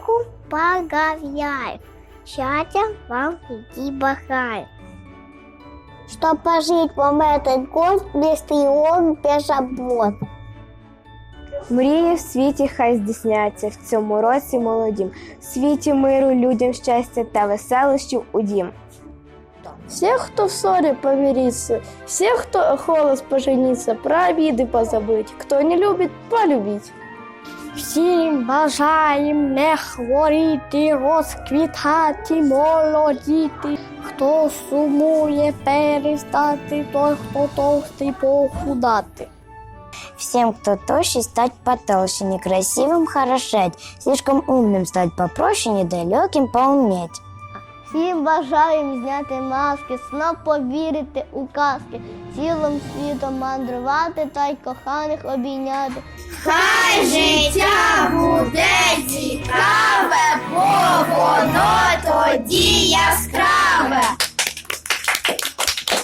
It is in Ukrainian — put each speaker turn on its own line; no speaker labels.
Богу поговяю, счастья вам впереди бахаю. Чтоб пожить вам этот год без тревог, без забот.
Мрії в світі хай здійсняться в цьому році молодім. В світі миру, людям щастя та веселощів у дім.
Всех, кто в ссоре, помириться, всех, кто холос, пожениться, про обиды позабыть, кто не любит, полюбить.
Всім бажаєм не хворіти, розквітати, молодіти. Хто сумує перестати, той, хто товстий, похудати.
Всем, кто тощий, стать потолще, некрасивым хорошеть, слишком умным стать попроще, недалеким поуметь.
Всім бажаєм зняти маски, знов повірити у казки, цілим світом мандрувати та й коханих обійняти.
Хай життя буде цікаве, бо воно тоді